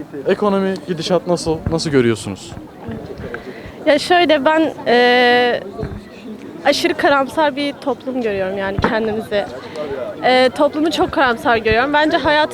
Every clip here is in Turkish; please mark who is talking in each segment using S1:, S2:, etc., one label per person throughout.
S1: Ekonomi gidişat nasıl? Nasıl görüyorsunuz?
S2: Ya şöyle ben aşırı karamsar bir toplum görüyorum yani kendimizi. Toplumu çok karamsar görüyorum. Bence hayat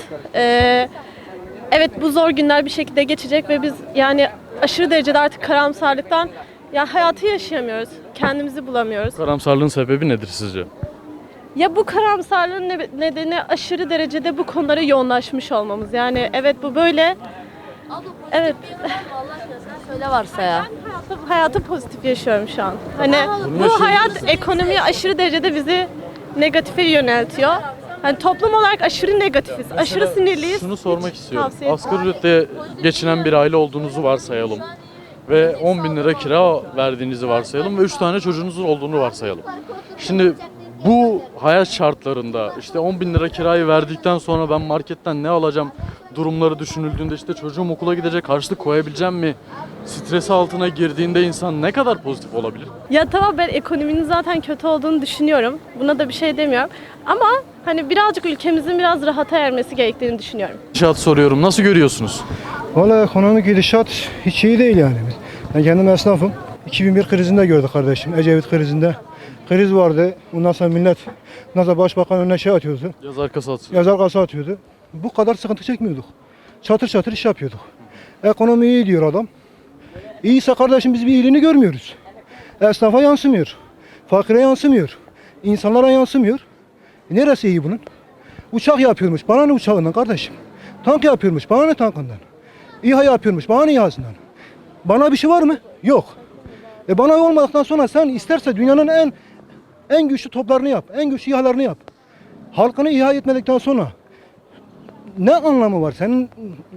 S2: evet bu zor günler bir şekilde geçecek ve biz yani aşırı derecede artık karamsarlıktan ya hayatı yaşayamıyoruz. Kendimizi bulamıyoruz.
S1: Karamsarlığın sebebi nedir sizce?
S2: Ya bu karamsarlığın nedeni aşırı derecede bu konulara yoğunlaşmış olmamız. Yani evet bu böyle. Evet.
S3: Allah aşkına sen söyle varsa ya.
S2: Hayatı pozitif yaşıyorum şu an. Hani
S1: Bunu
S2: bu
S1: yaşayabilir
S2: hayat
S1: misin?
S2: ekonomiye aşırı derecede bizi negatife yöneltiyor. Hani toplum olarak aşırı negatifiz, aşırı sinirliyiz.
S1: Şunu sormak istiyorum.
S2: tavsiye
S1: Asgari ücretle geçinen bir aile olduğunuzu varsayalım. Ve 10 bin lira kira verdiğinizi varsayalım ve 3 tane çocuğunuzun olduğunu varsayalım. Şimdi bu hayat şartlarında işte 10 bin lira kirayı verdikten sonra ben marketten ne alacağım durumları düşünüldüğünde işte çocuğum okula gidecek, harçlık koyabileceğim mi? Stresi altına girdiğinde insan ne kadar pozitif olabilir?
S2: Ya tamam ben ekonominin zaten kötü olduğunu düşünüyorum. Buna da bir şey demiyorum. Ama hani birazcık ülkemizin biraz rahata ermesi gerektiğini düşünüyorum.
S1: Gidişat soruyorum. Nasıl görüyorsunuz?
S4: Valla ekonomik gidişat hiç iyi değil yani. Ben kendim esnafım. 2001 krizinde gördük kardeşim. Ecevit krizinde. Kriz vardı. Ondan sonra millet nasıl başbakan önüne şey atıyordu.
S1: Yaz arkası atsın.
S4: Yazar kasa atıyordu. Bu kadar sıkıntı çekmiyorduk. Çatır çatır iş yapıyorduk. Ekonomi iyi diyor adam. İyiyse kardeşim biz bir iyiliğini görmüyoruz. Esnafa yansımıyor. Fakire yansımıyor. İnsanlara yansımıyor. Neresi iyi bunun? Uçak yapıyormuş. Bana ne uçağından kardeşim? Tank yapıyormuş. Bana ne tankından? İHA yapıyormuş. Bana ne İHA'sından? Bana bir şey var mı? Yok. Bana olmadıktan sonra sen isterse dünyanın en güçlü toplarını yap. En güçlü İHA'larını yap. Halkını İHA etmedikten sonra ne anlamı var? Senin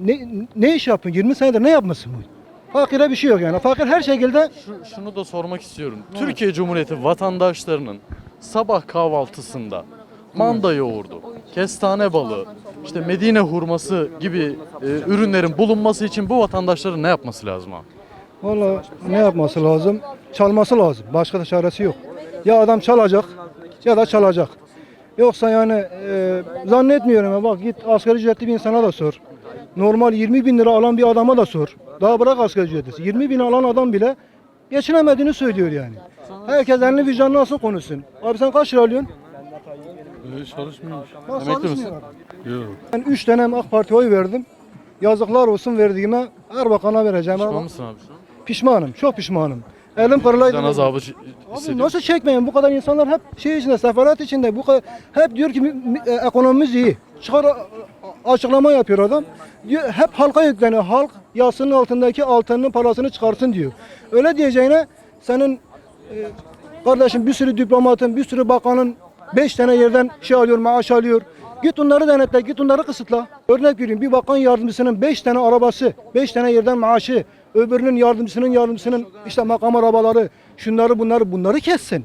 S4: ne iş yapıyorsun? 20 senedir ne yapmasın bu? Fakire bir şey yok yani. Fakir her şekilde
S1: Şunu da sormak istiyorum. Türkiye Cumhuriyeti vatandaşlarının sabah kahvaltısında manda yoğurdu, kestane balığı, işte Medine hurması gibi ürünlerin bulunması için bu vatandaşların ne yapması lazım abi?
S4: valla ne yapması lazım? Çalması lazım. Başka da çaresi yok. Ya adam çalacak ya da çalacak. Yoksa yani zannetmiyorum ya. Bak git asgari ücretli bir insana da sor. Normal 20 bin lira alan bir adama da sor. Daha bırak asgari ücretlisi. 20 bin alan adam bile geçinemediğini söylüyor yani. Herkes elini vicdanına alsın konuşsun. Abi sen kaç lira alıyorsun?
S1: Çalışmıyormuş.
S4: Bak
S1: Emekli misin?
S4: çalışmıyor adam.
S1: Yok.
S4: Ben 3 dönem AK Parti'ye oy verdim. Yazıklar olsun verdiğime Erbakan'a vereceğim.
S1: Pişman mısın abi şu an?
S4: Pişmanım. Çok pişmanım. Elim kırılaydı.
S1: Vicdan azabı
S4: Abi
S1: hissediyor.
S4: nasıl çekmeyin? Bu kadar insanlar hep şey içinde, sefalet içinde. Bu kadar, hep diyor ki ekonomimiz iyi. Çıkar açıklama yapıyor adam. Diyor, hep halka yükleniyor. Halk yasının altındaki altının parasını çıkarsın diyor. Öyle diyeceğine senin kardeşim bir sürü diplomatın, bir sürü bakanın 5 tane yerden şey alıyor, maaş alıyor. Git onları denetle, git onları kısıtla. Örnek vereyim, bir bakan yardımcısının 5 tane arabası, 5 tane yerden maaşı, öbürünün yardımcısının işte makam arabaları, şunları bunları kessin.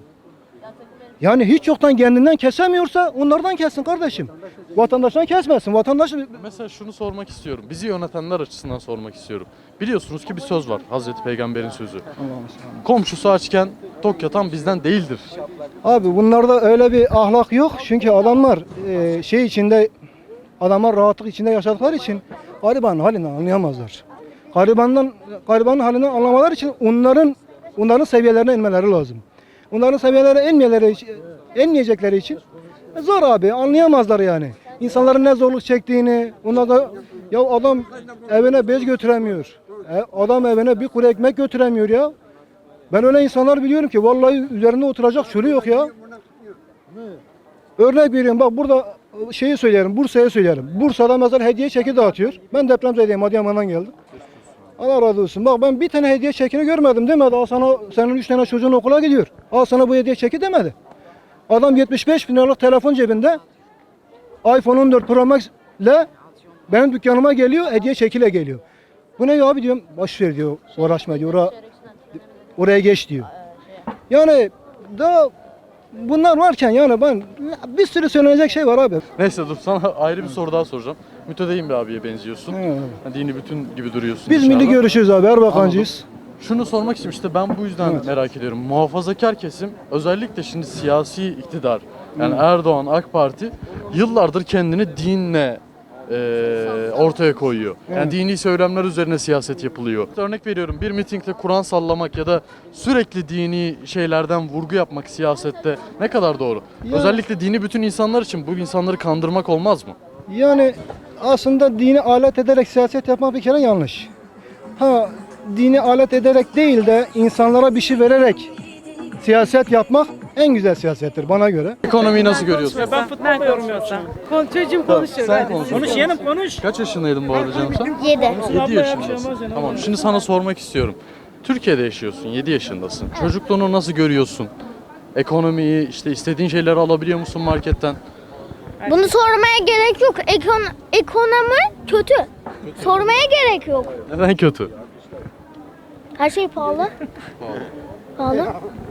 S4: Yani hiç yoktan kendinden kesemiyorsa onlardan kessin kardeşim. Vatandaştan kesmesin. Vatandaş
S1: Mesela şunu sormak istiyorum. Bizi yönetenler açısından sormak istiyorum. Biliyorsunuz ki bir söz var. Hazreti Peygamber'in sözü. Komşusu açken tok yatan bizden değildir.
S4: abi bunlarda öyle bir ahlak yok. Çünkü adamlar şey içinde adamlar rahatlık içinde yaşadıkları için garibanın halini anlayamazlar. Garibanın halini anlamalar için onların seviyelerine inmeleri lazım. Onların seviyelerine inmeyecekleri için zor abi anlayamazlar yani. İnsanların ne zorluk çektiğini, onlar da ya adam evine bez götüremiyor. Adam evine bir kuru ekmek götüremiyor ya. Ben öyle insanlar biliyorum ki vallahi üzerinde oturacak şöyle yok ya. Örnek vereyim bak burada şeyi söyleyelim, Bursa'ya söyleyelim. Bursa'da mesela hediye çeki dağıtıyor. Ben depremzedeyim, Adıyaman'dan geldim. Allah razı olsun. Bak ben bir tane hediye çekini görmedim demedi. Al sana senin 3 tane çocuğun okula gidiyor. Al sana bu hediye çeki demedi. Adam 75 bin liralık telefon cebinde iPhone 14 Pro Max ile benim dükkanıma geliyor, hediye çekiyle geliyor. Bu ne ya abi diyorum. Boş ver diyor, uğraşma diyor. Oraya geç diyor. Yani da bunlar varken yani ben bir sürü söylenecek şey var abi.
S1: Neyse dur sana ayrı bir soru daha soracağım. Mütedeyyin bir abiye benziyorsun.
S4: Evet.
S1: Dini bütün gibi duruyorsun.
S4: Biz
S1: dışarıda.
S4: milli görüşüz abi, Erbakancıyız.
S1: Şunu sormak için işte ben bu yüzden
S4: Evet.
S1: merak ediyorum. Muhafazakar kesim özellikle şimdi siyasi iktidar yani Erdoğan AK Parti yıllardır kendini dinle ortaya koyuyor. Yani dini söylemler üzerine siyaset yapılıyor. Örnek veriyorum, bir mitingde Kur'an sallamak ya da sürekli dini şeylerden vurgu yapmak siyasette ne kadar doğru?
S4: Yani-
S1: Özellikle dini bütün insanlar için bu insanları kandırmak olmaz mı?
S4: Yani aslında dini alet ederek siyaset yapmak bir kere yanlış. Ha, dini alet ederek değil de insanlara bir şey vererek siyaset yapmak en güzel siyasettir bana göre.
S1: Ekonomiyi nasıl görüyorsun?
S5: Ben futbol yorum yapacağım.
S2: Çocuğum konuşuyor.
S1: Sen konuş.
S5: Konuş yeğenim konuş.
S1: Kaç yaşındaydın bu arada canım sen?
S3: 7.
S1: 7 yaşındasın. Tamam, şimdi sana sormak istiyorum. Türkiye'de yaşıyorsun, 7 yaşındasın. Çocukluğunu nasıl görüyorsun? Ekonomiyi, işte istediğin şeyleri alabiliyor musun marketten?
S3: Bunu sormaya gerek yok. Ekonomi kötü. Sormaya gerek yok.
S1: Neden kötü?
S3: Her şey pahalı. Pahalı.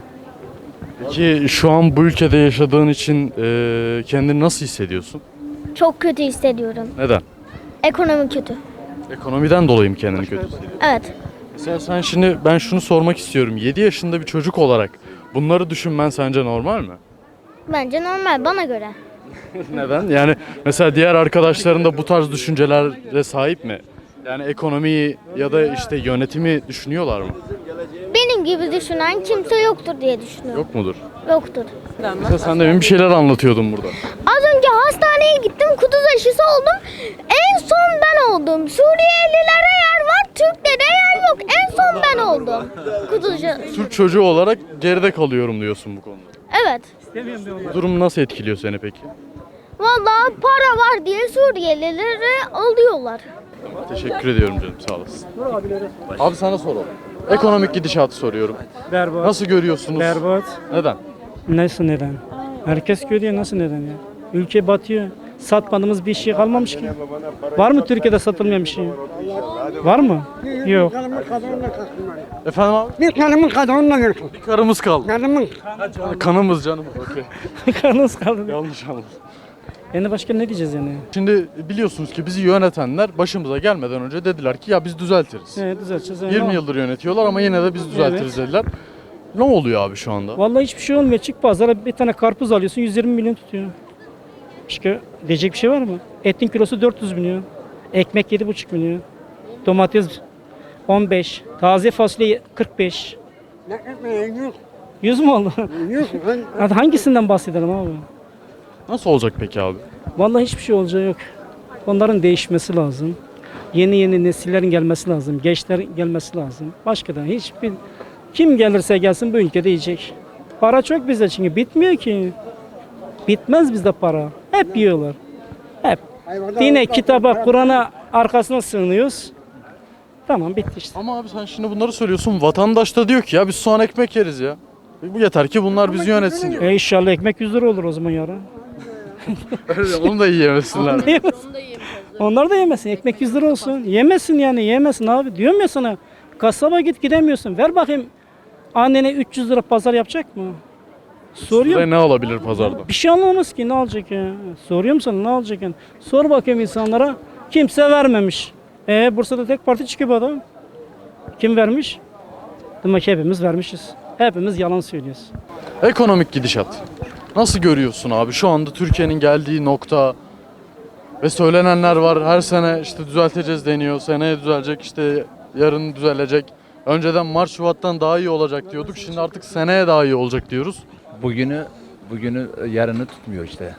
S1: Peki şu an bu ülkede yaşadığın için kendini nasıl hissediyorsun?
S3: Çok kötü hissediyorum.
S1: Neden?
S3: Ekonomi kötü.
S1: Ekonomiden dolayı mı kendini kötü hissediyorsun?
S3: Evet.
S1: Mesela sen şimdi, ben şunu sormak istiyorum. 7 yaşında bir çocuk olarak bunları düşünmen sence normal mi?
S3: Bence normal bana göre.
S1: Neden? Yani mesela diğer arkadaşların da bu tarz düşüncelere sahip mi? Yani ekonomiyi ya da işte yönetimi düşünüyorlar mı?
S3: Benim gibi düşünen kimse yoktur diye düşünüyorum.
S1: Yok mudur?
S3: Yoktur.
S1: Mesela sen demin bir şeyler anlatıyordun burada.
S3: Az önce hastaneye gittim, kuduz aşısı oldum. En son ben oldum. Suriyelilere yer var, Türklere yer yok. En son ben oldum. Kuduz aşısı.
S1: Türk çocuğu olarak geride kalıyorum diyorsun bu konuda.
S3: Evet.
S1: Bu durum nasıl etkiliyor seni peki?
S3: Vallahi para var diye Suriyelileri alıyorlar.
S1: Teşekkür ediyorum canım, sağ olasın. Abi sana soralım. Ekonomik gidişatı soruyorum.
S5: Berbat.
S1: Nasıl görüyorsunuz?
S5: Berbat.
S1: Neden?
S5: Nasıl neden? Herkes görüyor nasıl neden ya? Ülke batıyor. Satmadığımız bir şey kalmamış ki. Var mı Türkiye'de satılmayan bir şey? Var mı? Yok.
S1: Efendim abi?
S6: Bir kanımın kadınla görüşün.
S1: Bir karımız kaldı.
S6: Kanımın.
S1: Kanımız canımız. Okey.
S5: Kanımız kaldı.
S1: Yanlış anladım.
S5: Yani başka ne diyeceğiz yani?
S1: Şimdi biliyorsunuz ki bizi yönetenler başımıza gelmeden önce dediler ki ya biz düzeltiriz.
S5: Evet düzelteceğiz.
S1: 20 yıldır yönetiyorlar ama yine de biz düzeltiriz dediler. Ne oluyor abi şu anda?
S5: Vallahi hiçbir şey olmuyor. Çık pazara bir tane karpuz alıyorsun 120 milyon tutuyor. Başka diyecek bir şey var mı? Etin kilosu 400 milyon. Ekmek 7,5 milyon. Domates 15. Taze fasulye 45.
S6: Ne etmeyin yok.
S5: 100 mü oldu?
S6: Yok.
S5: Hadi hangisinden bahsedelim abi?
S1: Nasıl olacak peki abi?
S5: Vallahi hiçbir şey olacağı yok. Onların değişmesi lazım. Yeni nesillerin gelmesi lazım. Gençler gelmesi lazım. Başka da hiçbir... Kim gelirse gelsin bu ülkede yiyecek. Para çok bizde çünkü bitmiyor ki. Bitmez bizde para. Hep yiyorlar. Hep. Dine, kitaba, Kur'an'a arkasına sığınıyoruz. Tamam bitti işte.
S1: Ama abi sen şimdi bunları söylüyorsun. Vatandaş da diyor ki ya biz soğan ekmek yeriz ya. Bu yeter ki bunlar bizi yönetsin diyor.
S5: İnşallah ekmek 100 lira olur o zaman yarın.
S1: Onu da yiyemesinler.
S5: Onlar da yemesin. Ekmek 100 lira olsun. Yemesin yani yemesin abi. Diyorum ya sana. Kasaba gidemiyorsun. Ver bakayım annene 300 lira pazar yapacak mı? Soruyorum.
S1: Ve ne alabilir pazarda?
S5: Bir şey anlamaz ki ne alacak ya. Soruyorum sana ne alacak yani. Sor bakayım insanlara. Kimse vermemiş. Bursa'da tek parti çıkıyor bu adam. Kim vermiş? Demek ki hepimiz vermişiz. Hepimiz yalan söylüyoruz.
S1: Ekonomik gidişat. Nasıl görüyorsun abi? Şu anda Türkiye'nin geldiği nokta ve söylenenler var. Her sene işte düzelteceğiz deniyor. Seneye düzelecek, işte yarın düzelecek. Önceden Mart Şubat'tan daha iyi olacak diyorduk. Şimdi artık seneye daha iyi olacak diyoruz.
S7: Bugünü yarını tutmuyor işte.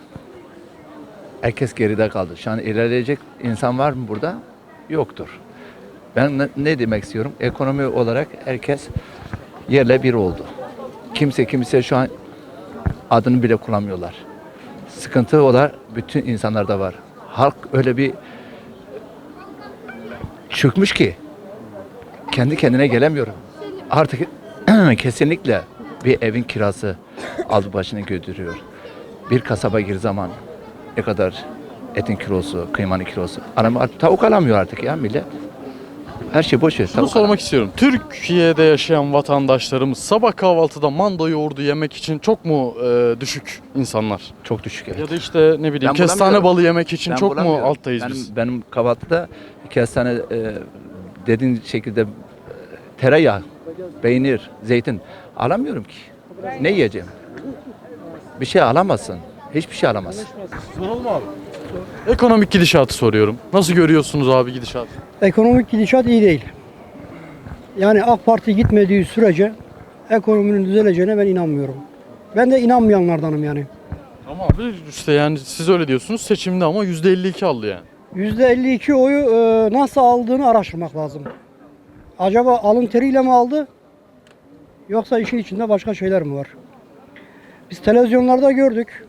S7: Herkes geride kaldı. Şu an ilerleyecek insan var mı burada? Yoktur. Ben ne demek istiyorum? Ekonomi olarak herkes yerle bir oldu. Kimse şu an adını bile kullanmıyorlar. Sıkıntı olan bütün insanlarda var. Halk öyle bir çökmüş ki kendi kendine gelemiyorum. Artık kesinlikle bir evin kirası aldı başını götürüyor. Bir kasaba gir zaman ne kadar etin kilosu, kıymanın kilosu. Tavuk alamıyor artık ya millet. Her şey boş ver.
S1: Şunu sormak istiyorum. Türkiye'de yaşayan vatandaşlarımız sabah kahvaltıda manda yoğurdu yemek için çok mu düşük insanlar?
S7: Çok düşük evet.
S1: Ya da işte ne bileyim
S7: Ben
S1: kestane
S7: bulamıyorum.
S1: balı yemek için
S7: Ben
S1: çok mu
S7: bulamıyorum.
S1: alttayız biz?
S7: Benim kahvaltıda kestane dediğin şekilde tereyağı, peynir, zeytin alamıyorum ki. Ne yiyeceğim? Bir şey alamazsın. Hiçbir şey alamazsın.
S1: Soralım abi. Ekonomik gidişatı soruyorum. Nasıl görüyorsunuz abi gidişatı?
S6: Ekonomik gidişat iyi değil. Yani AK Parti gitmediği sürece ekonominin düzeleceğine ben inanmıyorum. Ben de inanmayanlardanım yani.
S1: Ama abi işte yani siz öyle diyorsunuz, seçimde ama %52 aldı yani.
S6: %52 oyu nasıl aldığını araştırmak lazım. Acaba alın teriyle mi aldı? Yoksa işin içinde başka şeyler mi var? Biz televizyonlarda gördük.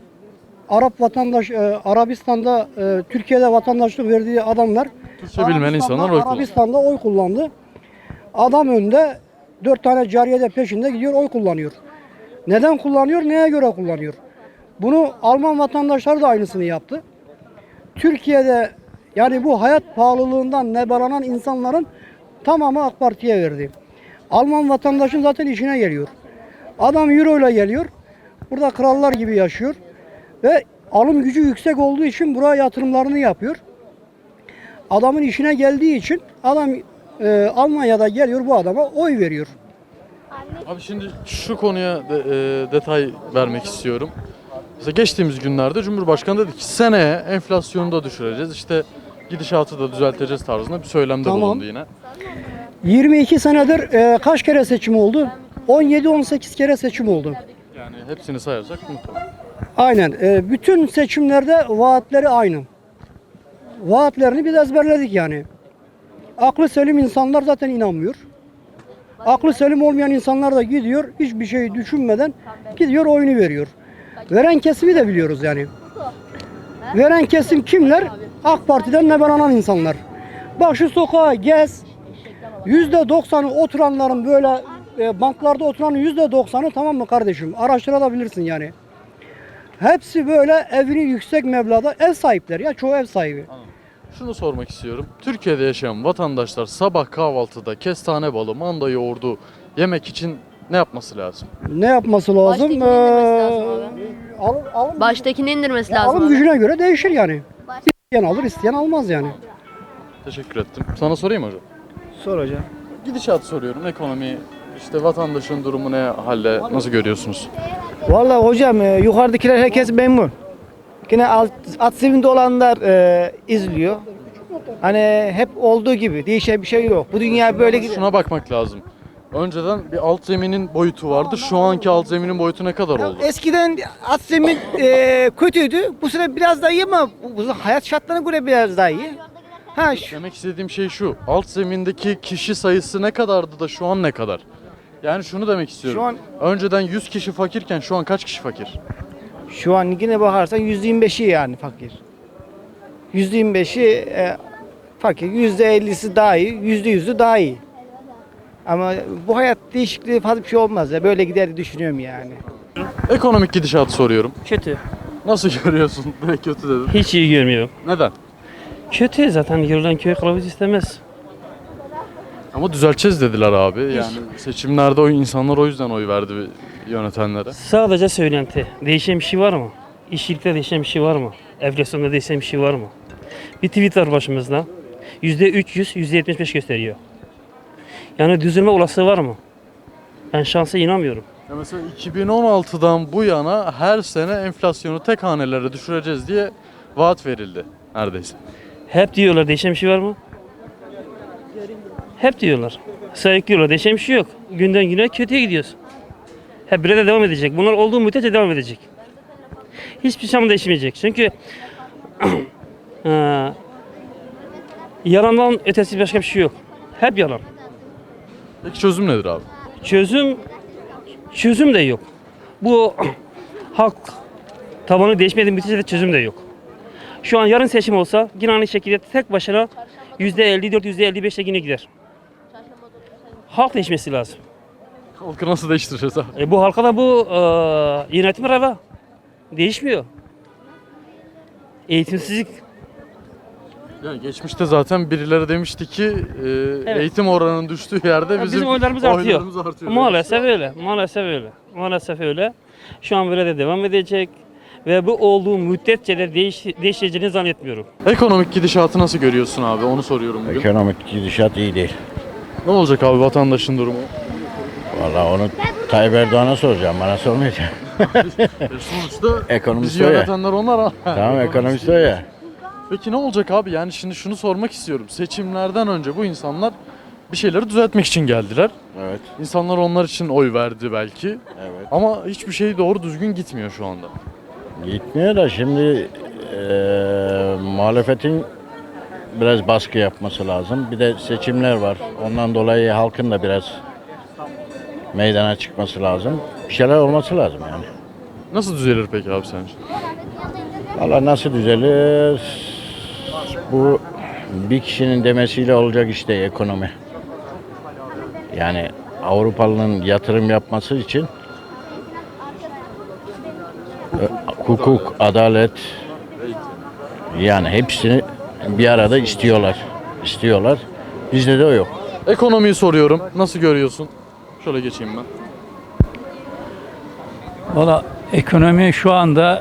S6: Arabistan'da Türkiye'de vatandaşlık verdiği adamlar
S1: Türkçe bilmeyen insanlar oy kullanıyor.
S6: Arabistan'da oy kullandı. Adam önde 4 tane cariye de peşinde gidiyor oy kullanıyor. Neden kullanıyor? Neye göre kullanıyor? Bunu Alman vatandaşları da aynısını yaptı. Türkiye'de yani bu hayat pahalılığından nebalanan insanların tamamı AK Parti'ye verdi. Alman vatandaşın zaten işine geliyor. Adam euro ile geliyor. Burada krallar gibi yaşıyor. Ve alım gücü yüksek olduğu için buraya yatırımlarını yapıyor. Adamın işine geldiği için adam Almanya'da geliyor bu adama oy veriyor.
S1: Abi şimdi şu konuya detay vermek istiyorum. Mesela geçtiğimiz günlerde Cumhurbaşkanı dedi ki seneye enflasyonu da düşüreceğiz, işte gidişatı da düzelteceğiz tarzında bir söylemde
S6: Tamam.
S1: bulundu yine.
S6: 22 senedir kaç kere seçim oldu? 17-18 kere seçim oldu.
S1: Yani hepsini sayarsak muhtemelen.
S6: Aynen. Bütün seçimlerde vaatleri aynı. Vaatlerini biz ezberledik yani. Aklı selim insanlar zaten inanmıyor. Aklı selim olmayan insanlar da gidiyor, hiçbir şey düşünmeden gidiyor oyunu veriyor. Veren kesimi de biliyoruz yani. Veren kesim kimler? AK Parti'den nebalanan insanlar. Bak şu sokağa gez. %90'ı oturanların böyle banklarda oturanın %90'ı tamam mı kardeşim? Araştırabilirsin yani. Hepsi böyle evini yüksek meblağda ev sahipleri ya çoğu ev sahibi.
S1: Şunu sormak istiyorum. Türkiye'de yaşayan vatandaşlar sabah kahvaltıda kestane balı, manda yoğurdu yemek için ne yapması lazım?
S6: Ne yapması lazım?
S8: Baştakini indirmesi lazım
S6: Alım,
S8: Baştakini indirmesi lazım.
S6: alım
S8: abi.
S6: gücüne göre değişir yani. İsteyen alır, isteyen almaz yani.
S1: Teşekkür ettim. Sana sorayım mı hocam?
S5: Sor hocam.
S1: Gidişat soruyorum. Ekonomi, işte vatandaşın durumu ne halde, nasıl görüyorsunuz?
S9: Vallahi hocam yukarıdakiler herkes memnun. Yine at sevinde olanlar izliyor. Hani hep olduğu gibi değişen bir şey yok. Bu dünya böyle gidiyor.
S1: Şuna bakmak lazım. Önceden bir alt zeminin boyutu vardı. Şu anki alt zeminin boyutu ne kadar oldu?
S9: Eskiden at zemin kötüydü. Bu sene biraz daha iyi ama bu hayat şartlarına göre biraz daha iyi. Ha
S1: Demek istediğim şey şu. Alt zemindeki kişi sayısı ne kadardı da şu an ne kadar? Yani şunu demek istiyorum.
S9: Şu an-
S1: Önceden 100 kişi fakirken şu an kaç kişi fakir?
S9: şu an yine bakarsan %25'i yani fakir. %25'i fakir. %50'si daha iyi, %100'ü daha iyi. Ama bu hayat değişikliği fazla bir şey olmaz ya. Böyle gider diye düşünüyorum yani.
S1: Ekonomik gidişatı soruyorum.
S10: Kötü.
S1: Nasıl görüyorsun? Direkt kötü dedim.
S10: Hiç iyi görmüyorum.
S1: Neden?
S10: Kötü zaten yürülen köy kılavuz istemez.
S1: Ama düzelteceğiz dediler abi. Yani seçimlerde o insanlar o yüzden oy verdi yönetenlere.
S10: Sadece söylenti. Değişen bir şey var mı? İşçilikte değişen bir şey var mı? Enflasyonda değişen bir şey var mı? Bir tweet var başımızda. %300, %75 gösteriyor. Yani düzelme olasılığı var mı? Ben şansa inanmıyorum.
S1: Ya mesela 2016'dan bu yana her sene enflasyonu tek hanelere düşüreceğiz diye vaat verildi neredeyse.
S10: Hep diyorlar değişen bir şey var mı? Hep diyorlar. Sayıklıyorlar değişen bir şey yok. Günden güne kötüye gidiyoruz. Hep böyle de devam edecek. Bunlar olduğu müddetçe devam edecek. Hiçbir şey değişmeyecek. Çünkü yalandan ötesi başka bir şey yok. Hep yalan.
S1: Peki çözüm nedir abi?
S10: Çözüm de yok. Bu halk tabanı değişmediği müddetçe de çözüm de yok. Şu an yarın seçim olsa yine aynı şekilde tek başına %54, %55'e yine gider. Halk değişmesi lazım.
S1: Halkı nasıl değiştireceğiz abi?
S10: Bu halka da bu yönetim reva. Değişmiyor. Eğitimsizlik.
S1: Yani geçmişte zaten birileri demişti ki eğitim oranının düştüğü yerde
S10: Bizim oylarımız artıyor.
S1: artıyor.
S10: Maalesef öyle. Maalesef öyle. Maalesef öyle. Şu an böyle de devam edecek. Ve bu olduğu müddetçe de değişeceğini zannetmiyorum.
S1: Ekonomik gidişatı nasıl görüyorsun abi? Onu soruyorum bugün.
S11: Ekonomik gidişat iyi değil.
S1: Ne olacak abi vatandaşın durumu?
S11: Vallahi onu Tayyip Erdoğan'a soracağım, bana sormayacağım.
S1: Sonuçta
S11: Ekonomist
S1: bizi
S11: o ya.
S1: yönetenler onlar ha.
S11: Tamam ekonomist o ya.
S1: Peki ne olacak abi? Yani şimdi şunu sormak istiyorum. Seçimlerden önce bu insanlar bir şeyleri düzeltmek için geldiler.
S11: Evet.
S1: İnsanlar onlar için oy verdi belki.
S11: Evet.
S1: Ama hiçbir şey doğru düzgün gitmiyor şu anda.
S11: Gitmiyor da şimdi muhalefetin biraz baskı yapması lazım. Bir de seçimler var. Ondan dolayı halkın da biraz meydana çıkması lazım. Bir şeyler olması lazım yani.
S1: Nasıl düzelir peki abi sence?
S11: Valla nasıl düzelir? Bu bir kişinin demesiyle olacak işte ekonomi. Yani Avrupalı'nın yatırım yapması için hukuk, adalet yani hepsini bir arada istiyorlar. Bizde de o yok.
S1: Ekonomiyi soruyorum. Nasıl görüyorsun? Şöyle geçeyim ben.
S12: Valla ekonomi şu anda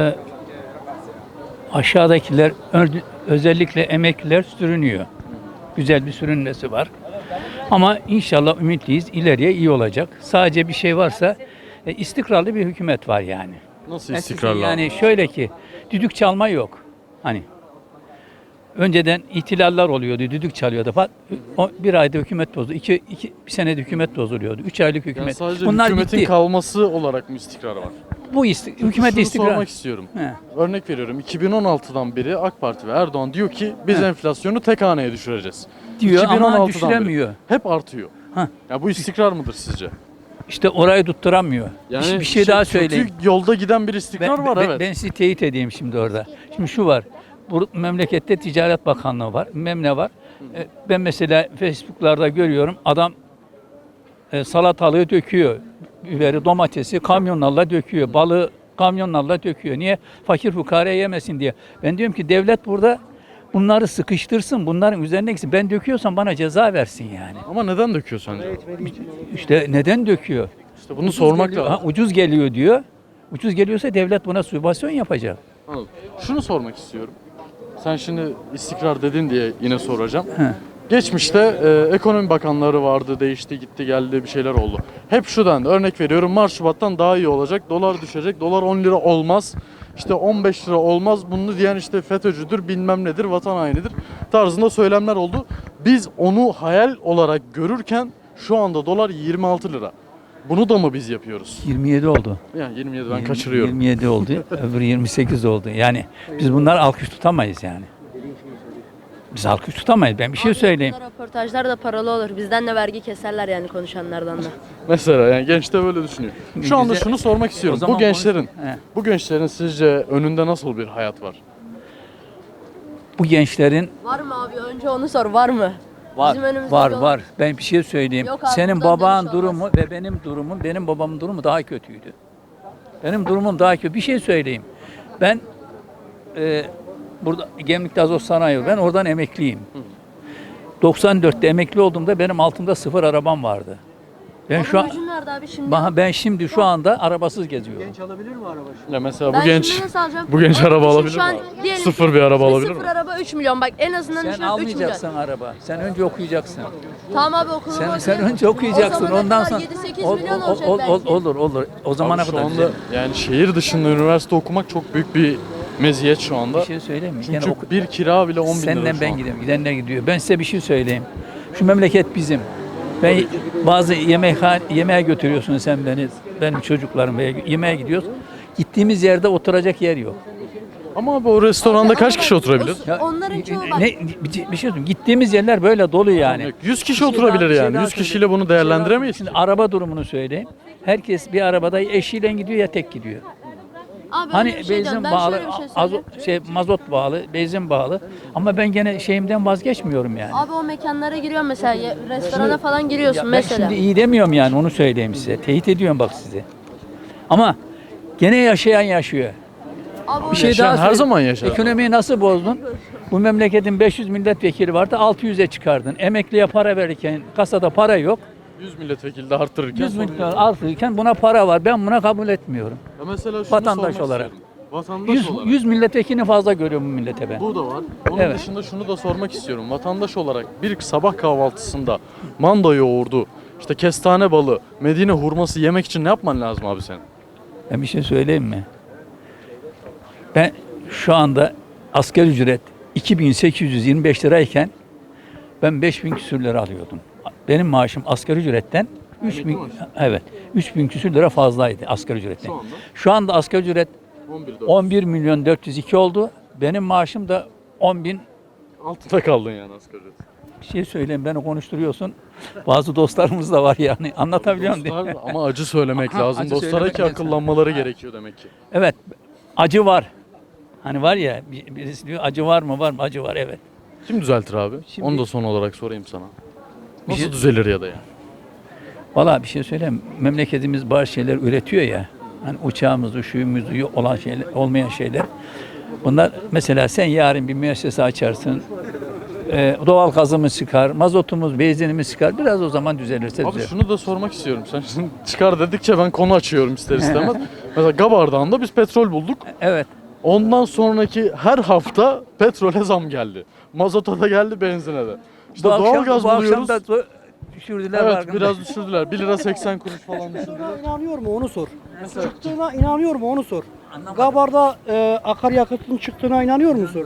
S12: aşağıdakiler özellikle emekliler sürünüyor. Güzel bir sürünmesi var. Ama inşallah ümitliyiz. İleriye iyi olacak. Sadece bir şey varsa istikrarlı bir hükümet var yani.
S1: Nasıl istikrarlı?
S12: Yani şöyle ki düdük çalma yok. Hani önceden ihtilaller oluyordu, düdük çalıyordu falan. Bir ayda hükümet bozdu. Bir senede hükümet bozuluyordu. 3 aylık hükümet.
S1: Yani sadece
S12: Bunlar
S1: hükümetin
S12: bitti.
S1: kalması olarak mı istikrar var?
S12: Bu hükümet
S1: Şunu
S12: istikrar.
S1: sormak istiyorum.
S12: He.
S1: Örnek veriyorum. 2016'dan beri AK Parti ve Erdoğan diyor ki biz enflasyonu tek haneye düşüreceğiz.
S12: Diyor ama
S1: 2016'dan
S12: düşüremiyor.
S1: beri. Hep artıyor.
S12: Heh.
S1: Ya bu istikrar mıdır sizce?
S12: İşte orayı tutturamıyor. bir şey daha söyleyeyim.
S1: Kötü yolda giden bir istikrar var evet.
S12: Ben sizi teyit edeyim şimdi orada. Şimdi şu var. Bu memlekette Ticaret Bakanlığı var. Ne var. Ben mesela Facebook'larda görüyorum. Adam salatalığı döküyor. Biberi, domatesi kamyonlarla döküyor. Balığı kamyonlarla döküyor. Niye? Fakir fukara yemesin diye. Ben diyorum ki devlet burada bunları sıkıştırsın. Bunların üzerine gitsin. Ben döküyorsam bana ceza versin yani.
S1: Ama neden döküyor sence?
S12: İşte neden döküyor?
S1: İşte bunu sormak
S12: Geliyor,
S1: lazım.
S12: ucuz geliyor diyor. Ucuz geliyorsa devlet buna sübvansiyon yapacak.
S1: Anladım. Şunu sormak istiyorum. Sen şimdi istikrar dedin diye yine soracağım.
S12: He.
S1: Geçmişte ekonomi bakanları vardı, değişti, gitti, geldi, bir şeyler oldu. Hep şu dendi, örnek veriyorum Mart Şubat'tan daha iyi olacak, dolar düşecek, dolar 10 lira olmaz, işte 15 lira olmaz, bunu diyen işte FETÖ'cüdür, bilmem nedir, vatan hainidir tarzında söylemler oldu. Biz onu hayal olarak görürken şu anda dolar 26 lira. Bunu da mı biz yapıyoruz?
S12: 27 oldu.
S1: Yani 27 ben kaçırıyorum.
S12: 27 oldu. Öbürü 28 oldu. Yani biz bunları alkış tutamayız yani. Biz alkış tutamayız. Ben bir şey söyleyeyim.
S8: Röportajlar da paralı olur. Bizden de vergi keserler yani konuşanlardan da.
S1: Mesela yani genç de böyle düşünüyor. Şu anda
S12: Bize-
S1: şunu sormak istiyorum.
S12: O zaman
S1: Bu gençlerin sizce önünde nasıl bir hayat var?
S12: Bu gençlerin
S8: Var mı abi? Önce onu sor. Var mı?
S12: var
S8: Bizim önümüzde
S12: var
S8: yol-
S12: var. Ben bir şey söyleyeyim.
S8: Yok abi,
S12: Senin
S8: buradan
S12: babanın
S8: dönüş olmaz.
S12: durumu ve benim babamın durumu daha kötüydü. Benim durumum daha kötü. Bir şey söyleyeyim. Ben burada Gemlik'te Azot Sanayi var. Ben oradan emekliyim. 94'te emekli olduğumda benim altımda 0 arabam vardı. Ben şu an
S8: Gücün nerede abi şimdi?
S12: ben şimdi şu anda arabasız geziyorum.
S1: Ya mesela
S8: Ben
S1: bu genç
S8: şimdi nasıl alacağım?
S1: bu genç
S8: Abi
S1: araba
S8: düşün,
S1: alabilir
S8: şu
S1: mi?
S8: an
S1: abi?
S8: diyelim
S1: Sıfır
S8: ki
S1: bir araba alabilir
S8: Sıfır
S1: mi?
S8: araba 3 milyon. Bak en azından
S12: Sen
S8: düşün 3 milyon.
S12: almayacaksın araba. Sen önce okuyacaksın.
S8: Tamam abi okulumu
S12: Sen önce okuyacaksın. Ondan sonra
S8: 7-8 milyon olacak belki.
S12: olur. O zamana
S1: Abi şu
S12: kadar
S1: anda
S12: güzel.
S1: yani şehir dışında üniversite okumak çok büyük bir meziyet şu anda.
S12: Bir şey söyleyeyim mi?
S1: Çünkü bir kira bile 10 bin lira
S12: Senden
S1: şu
S12: ben
S1: an.
S12: gidiyorum. Gidenler gidiyor. Ben size bir şey söyleyeyim. Şu memleket bizim. Ben bazı yemeğe götürüyorsun sen beni. Benim çocuklarım yemeğe gidiyoruz. Gittiğimiz yerde oturacak yer yok.
S1: Ama abi o restoranda kaç kişi oturabilir?
S8: Onların çoğu bak.
S12: Bir şey söyleyeyim. Gittiğimiz yerler böyle dolu yani.
S1: 100 kişi oturabilir yani. 100 kişiyle bunu değerlendiremeyiz.
S12: Şimdi araba durumunu söyleyeyim. Herkes bir arabada eşiyle gidiyor ya tek gidiyor.
S8: Abi
S12: Hani
S8: öyle bir şey
S12: benzin
S8: diyorum. Ben
S12: bağlı,
S8: şöyle bir şey söyleyeyim.
S12: mazot bağlı, benzin bağlı. Ama ben gene şeyimden vazgeçmiyorum yani.
S8: Abi o mekanlara giriyorsun mesela. Restorana falan giriyorsun
S12: Ya ben
S8: mesela.
S12: şimdi iyi demiyorum yani onu söyleyeyim size. Teyit ediyorum bak size. Ama gene yaşayan yaşıyor.
S8: Abi o
S12: Bir şey
S1: Yaşayan
S12: daha
S1: her
S12: söyleyeyim.
S1: zaman yaşar.
S12: Ekonomiyi nasıl bozdun? Bu memleketin 500 milletvekili vardı, 600'e çıkardın. Emekliye para verirken kasada para yok.
S1: 100 milletvekili de arttırırken
S12: 100
S1: sorun
S12: milyon
S1: yok.
S12: artırken buna para var. Ben buna kabul etmiyorum.
S1: Ya mesela şunu
S12: Vatandaş
S1: sormak
S12: olarak.
S1: istiyorum. Vatandaş
S12: 100,
S1: olarak.
S12: 100 milletvekilini fazla görüyorum bu millete ben.
S1: Bu da var. Onun
S12: Evet.
S1: dışında şunu da sormak istiyorum. Vatandaş olarak bir sabah kahvaltısında manda yoğurdu, işte kestane balı, Medine hurması yemek için ne yapman lazım abi senin?
S12: Ben bir şey söyleyeyim mi? Ben şu anda asgari ücret 2825 lirayken ben 5000 küsür lira alıyordum. Benim maaşım asgari ücretten 3000, evet, 3000 küsür lira fazlaydı asgari ücretten. Şu anda asgari ücret 11 milyon 402 oldu. Benim maaşım da 10 bin.
S1: Altında kaldın yani asgari ücret.
S12: Bir şey söyleyeyim, beni konuşturuyorsun. Bazı dostlarımız da var yani. Anlatabiliyor muyum?
S1: Dostlar, ama acı söylemek lazım.
S12: acı
S1: Dostlara
S12: söylemek
S1: ki
S12: lazım.
S1: akıllanmaları gerekiyor demek ki.
S12: Evet, acı var. Hani var ya, birisi diyor acı var mı? Var mı? Acı var, evet.
S1: Kim düzeltir abi?
S12: Şimdi-
S1: Onu da son olarak sorayım sana.
S12: Bir
S1: Nasıl
S12: şey-
S1: düzelir ya da yani?
S12: Valla bir şey söyleyeyim. Memleketimiz bazı şeyler üretiyor ya. Hani uçağımızı, şuyumuzu olan şeyler, olmayan şeyler. Bunlar mesela sen yarın bir müessese açarsın. Doğal gazımız çıkar, mazotumuz, benzinimiz çıkar. Biraz o zaman düzelirse
S1: Abi
S12: düzelir.
S1: şunu da sormak istiyorum. Sen şimdi çıkar dedikçe ben konu açıyorum ister istemez. Mesela Gabardağ'ında biz petrol bulduk.
S12: Evet.
S1: Ondan sonraki her hafta petrole zam geldi. Mazota da geldi, benzine de. İşte doğalgaz
S12: bu akşam
S1: buluyoruz.
S12: da düşürdüler.
S1: Evet,
S12: farkında.
S1: biraz düşürdüler. 1 lira 80 kuruş falan düşürdüler.
S6: Çıktığına inanıyor mu onu sor. Çıktığına inanıyor mu onu sor. Gabar'da akaryakıtın çıktığına inanıyor musun?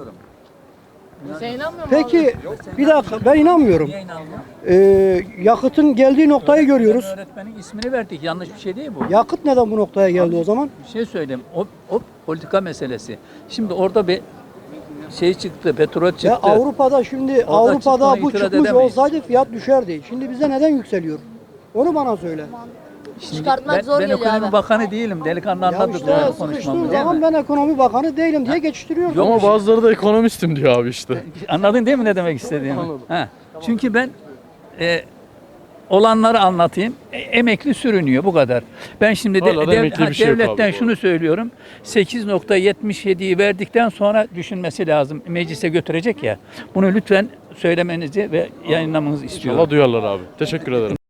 S6: Peki bir dakika ben inanmıyorum. Yakıtın geldiği noktayı görüyoruz.
S12: Öğretmenin ismini verdik. Yanlış bir şey değil bu.
S6: Yakıt neden bu noktaya geldi o zaman?
S12: Bir şey söyleyeyim. O politika meselesi. Şimdi orada bir şey çıktı, petrol çıktı.
S6: Ya Avrupa'da şimdi
S12: Orada
S6: Avrupa'da
S12: çıktığına
S6: bu
S12: itiraz
S6: çıkmış
S12: edemeyiz.
S6: olsaydı fiyat düşerdi. Şimdi bize neden yükseliyor? Onu bana söyle.
S12: Şimdi
S8: Çıkartmak zor
S12: ben
S8: geliyor
S12: ekonomi
S8: abi.
S12: bakanı değilim. Delikanlı
S6: Ya
S12: anladı
S6: işte
S12: doğru
S6: sıkıştığın
S12: konuşmamı değil
S6: zaman
S12: mi?
S6: ben ekonomi bakanı değilim diye geçiştiriyorum.
S1: Ama bazıları da ekonomistim diyor abi işte.
S12: Anladın değil mi ne demek istediğimi?
S1: Anladım.
S12: Ha. Çünkü ben olanları anlatayım. Emekli sürünüyor bu kadar. Ben şimdi
S1: Hala da emekli bir şey yok
S12: devletten
S1: abi,
S12: şunu söylüyorum. 8.77'yi verdikten sonra düşünmesi lazım. Meclise götürecek ya. Bunu lütfen söylemenizi ve yayınlamanızı istiyorum.
S1: İnşallah duyarlar abi. Teşekkür ederim.